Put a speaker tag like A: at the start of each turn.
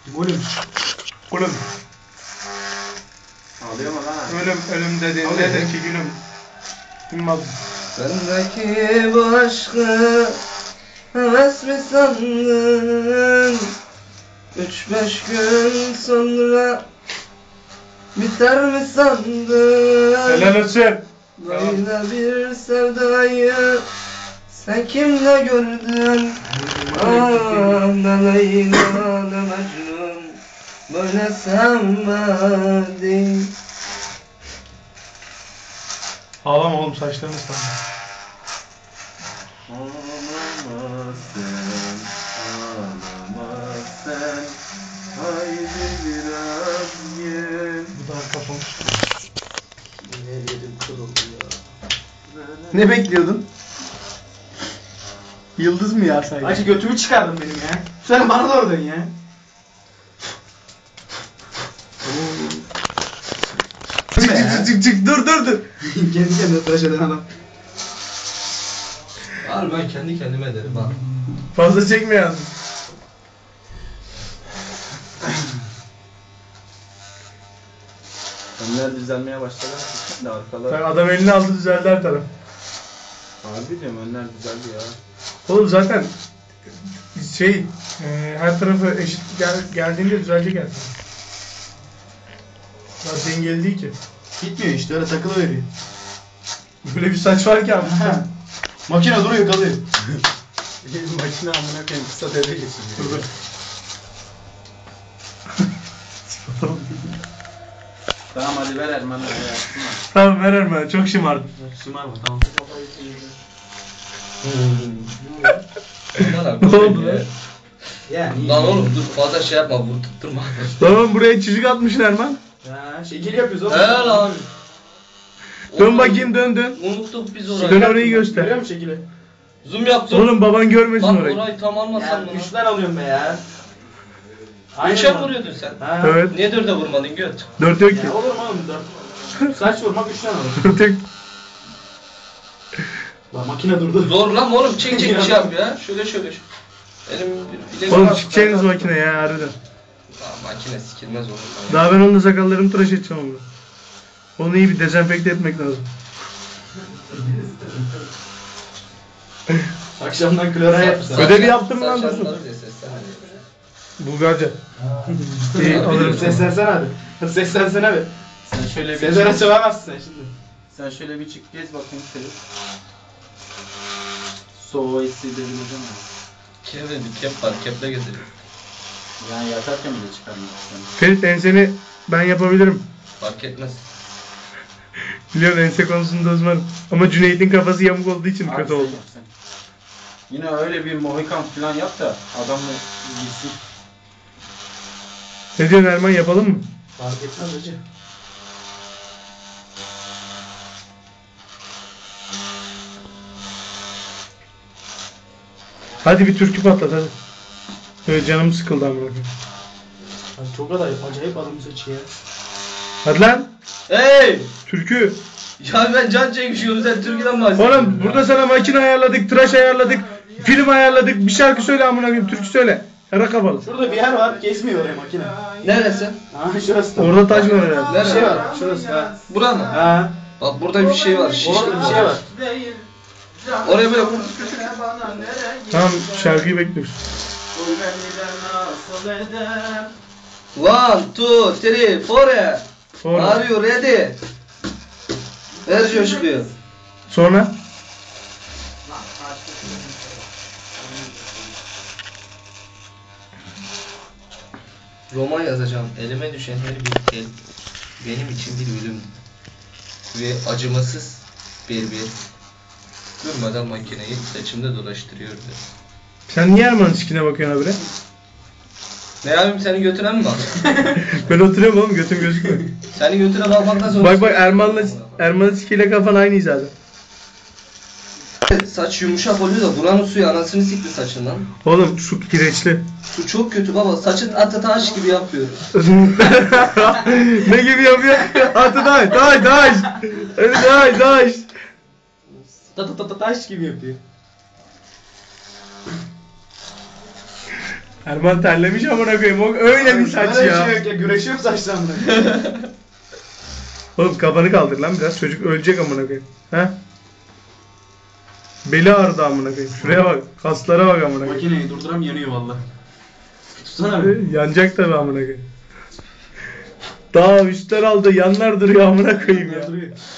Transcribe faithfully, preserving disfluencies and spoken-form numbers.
A: Gülüm. Gülüm.
B: Ağlıyor mu lan?
A: Ölüm, ölüm dediğinde de ki gülüm. Bilmem.
C: Bendeki bu aşkı heves mi sandın? Üç beş gün sonra biter mi sandın?
A: Helal olsun.
C: Böyle bir sevdayı sen kimle gördün? Ah ne Leyla ne Mecnun böyle sevmedin.
A: Ağlama oğlum, saçlarını ıslandı.
B: Ağlama sen, ağlama sen. Haydi biraz gel.
A: Bu da kapamış.
C: Yerim kırıldı ya.
A: Ne bekliyordun? Yıldız mı ya saygı?
D: Acı götümü çıkardın benim ya. Sen bana doğru dön ya.
A: Çık çık çık çık, dur dur dur.
D: Kendi kendine tıraş eden adam.
C: Al ben kendi kendime ederim ha.
A: Fazla çekme yazdım.
B: Önler düzelmeye başladı. Şimdi arkalar.
A: Sen adam elini aldı, düzeldi her taraf.
B: Harbi diyorum, önler düzeldi ya.
A: Oğlum zaten şey e, her tarafı eşit gel, geldiğinde düzelecek yani. Daha dengeli değil ki.
D: Gitmiyor işte, öyle takılıveriyor.
A: Böyle bir saç var ki abi.
D: Makine duruyor, kalıyor.
B: Makine amına koyayım, kısa devre geçiriyor. Tamam hadi ver Erman'a ya.
A: Tamam, ver ben çok şımardım.
D: Şımarma tamam.
A: Ne oldu lan?
D: Yani.
C: Lan oğlum dur fazla şey yapma, vur tutturma.
A: Tamam, buraya çizik atmışsın Erman.
D: Ha, şekil yapıyoruz oğlum.
C: He lan.
A: Dön bakayım, dön dön.
C: Unuttuk biz orayı.
A: Dön orayı
D: Görüyor
A: göster.
D: musun şekili?
C: Zoom yap zoom.
A: Oğlum baban görmesin
C: Lan
A: orayı.
C: orayı tam almasan
D: Ya
C: mı?
D: üçten alıyorum be ya.
C: Üçe
D: lan.
C: vuruyordun sen.
D: Ha.
A: Evet.
C: Niye dörde vurmadın göt?
A: Dört yok ki.
D: Ya olur mu oğlum dört? Saç vurmak üçten alır.
A: Dört yok.
D: Lan makine durdu.
C: Zor lan oğlum, çek çek şey yap ya. Şöyle şöyle. şöyle. Benim bileğim
A: Oğlum
C: var.
A: çıkacaksınız makine ya harbiden.
C: Aa, makine sikilmez oğlum.
A: Daha ben onunla sakallarımı tıraş edeceğim onu. Onu iyi bir dezenfekte etmek lazım.
D: Akşamdan klora yapmışlar.
A: Ödevi yaptın mı lan
C: Saç
A: Dursun?
C: yanları diye seslenme.
A: Bulgarca. İyi alırım seni.
D: Seslensene hadi. Hadi seslensene be.
B: Sen şöyle bir
D: Sezer açılamazsın sen şimdi.
B: Sen şöyle bir çık gez bakayım şöyle. Soğuğu hissedebileceğim mi?
C: Kep dedi, kep var, keple getiriyor.
B: Yani yatarken bile çıkarmak istiyorum.
A: Ferit, enseni ben yapabilirim.
C: Fark etmez.
A: Biliyorum, ense konusunda uzmanım. Ama Cüneyt'in kafası yamuk olduğu için
B: Abi
A: kötü
B: sen
A: oldu.
B: yap sen. Yine öyle bir mohikan falan yap da adamı gitsin.
A: Ne diyorsun Erman, yapalım mı?
D: Fark etmez hacı.
A: Hadi bir türkü patlat hadi. Evet, canım sıkıldı amına koyayım.
D: Abi çok kadar acayip adam saçı ya.
A: Hadi lan.
C: Hey!
A: Türkü.
C: Ya ben can çekmişim, sen Türkiye'den bahsediyorsun.
A: Oğlum burada sana makine ayarladık, tıraş ayarladık, film ayarladık. Bir şarkı söyle amına koyayım, türkü söyle. Kara kafalı.
D: Şurada bir yer var, gezmiyor oraya makine.
C: Neresi?
D: Ha şurası da.
A: Orada taş var herhalde.
D: Bir şey var, şurası ha.
C: Bura mı?
D: Ha.
C: Bak burada bir şey var, şişkin
D: Orada bir şey var.
C: Oraya böyle
A: Tamam, şarkıyı bekliyoruz.
C: one, two, three, four.
A: Sonra.
C: Are you ready? Ver coşkuyu.
A: Sonra.
C: Roman yazacağım. Elime düşen her bir el benim için bir ölüm ve acımasız bir bir durmadan makineyi saçımda dolaştırıyordu.
A: Sen niye Erman'ın sikine bakıyorsun abi?
C: Ne yapayım, seni götüren mi bak?
A: Ben oturuyorum oğlum, götüm gözükmüyor.
C: Seni götüre bakmaktan sonra...
A: Bak bak, Erman'la Erman'ın sikiyle kafan aynı hizada.
C: Saç yumuşak oluyor da buranın suyu anasını sikti saçından.
A: Oğlum su kireçli.
C: Su çok kötü baba, saçın atı taş gibi yapıyor.
A: Ne gibi yapıyor? Atı taş, taş, taş. Öyle taş, taş.
D: Ta ta ta ta taş gibi yapıyor.
A: Erman terlemiş amına koyayım. O öyle bir saç
D: Böyle
A: ya.
D: şey yok ya. Güreşiyorum saçlarımla.
A: Oğlum kafanı kaldır lan biraz. Çocuk ölecek amına koyayım. He? Beli ağrıdı amına koyayım. Şuraya bak. Kaslara bak amına koyayım.
D: Makineyi durduram yanıyor valla. Tutsana bir.
A: Yanacak tabi amına koyayım. Daha üstler aldı yanlar duruyor amına koyayım ya.
D: Duruyor.